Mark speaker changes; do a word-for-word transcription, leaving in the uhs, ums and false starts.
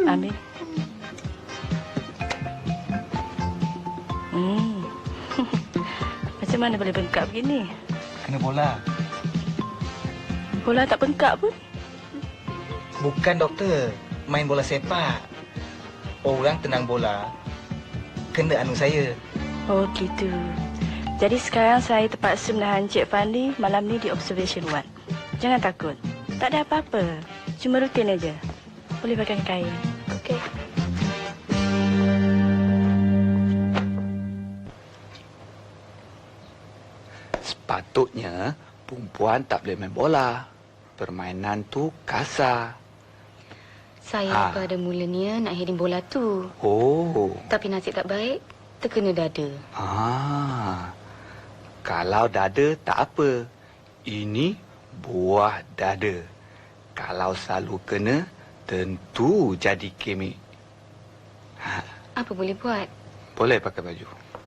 Speaker 1: Ambil. Hmm. Macam mana boleh bengkak begini?
Speaker 2: Kena bola.
Speaker 1: Bola tak bengkak pun.
Speaker 2: Bukan, doktor. Main bola sepak. Orang tenang bola kena anu saya.
Speaker 1: Oh, gitu. Jadi sekarang saya terpaksa menahan Cik Fandi malam ni di observation ward. Jangan takut. Tak ada apa-apa. Cuma rutin aja. Boleh pakai kain. Okey.
Speaker 3: Sepatutnya perempuan tak boleh main bola. Permainan tu kasar.
Speaker 4: Saya
Speaker 3: Ha.
Speaker 4: pada mulanya nak heading bola tu.
Speaker 3: Oh.
Speaker 4: Tapi nasib tak baik, terkena dada.
Speaker 3: Ah. Kalau dada tak apa. Ini buah dada. Kalau selalu kena, tentu jadi kemik. Ha.
Speaker 4: Apa boleh buat?
Speaker 3: Boleh pakai baju.